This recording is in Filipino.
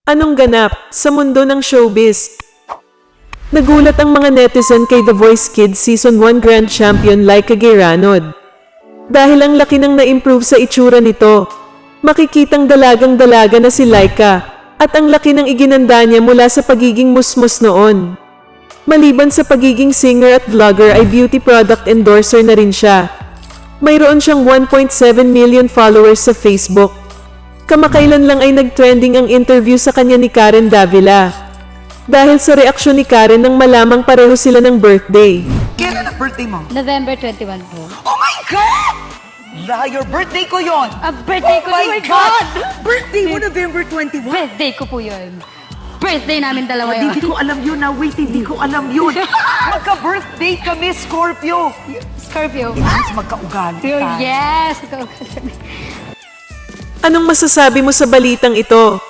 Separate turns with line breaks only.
Anong ganap sa mundo ng showbiz? Nagulat ang mga netizen kay The Voice Kids Season 1 Grand Champion Laika Gayranod. Dahil ang laki ng na-improve sa itsura nito. Makikitang dalagang-dalaga na si Laika at ang laki ng iginanda niya mula sa pagiging musmus noon. Maliban sa pagiging singer at vlogger ay beauty product endorser na rin siya. Mayroon siyang 1.7 million followers sa Facebook. Kamakailan lang ay nag-trending ang interview sa kanya ni Karen Davila. Dahil sa reaksyon ni Karen nang malamang pareho sila ng birthday.
Kailan ang birthday mo?
November 21 po.
Oh my God! Liar, birthday ko yon.
Birthday ko,
Oh my
yun.
God! Birthday mo November 21?
Birthday ko po yun. Birthday namin dalawa yun.
Hindi ko alam yun na. Wait, hindi ko alam yun. Magka-birthday kami, Scorpio.
Scorpio.
Mas magkaugali ka.
Yes!
Anong masasabi mo sa balitang ito?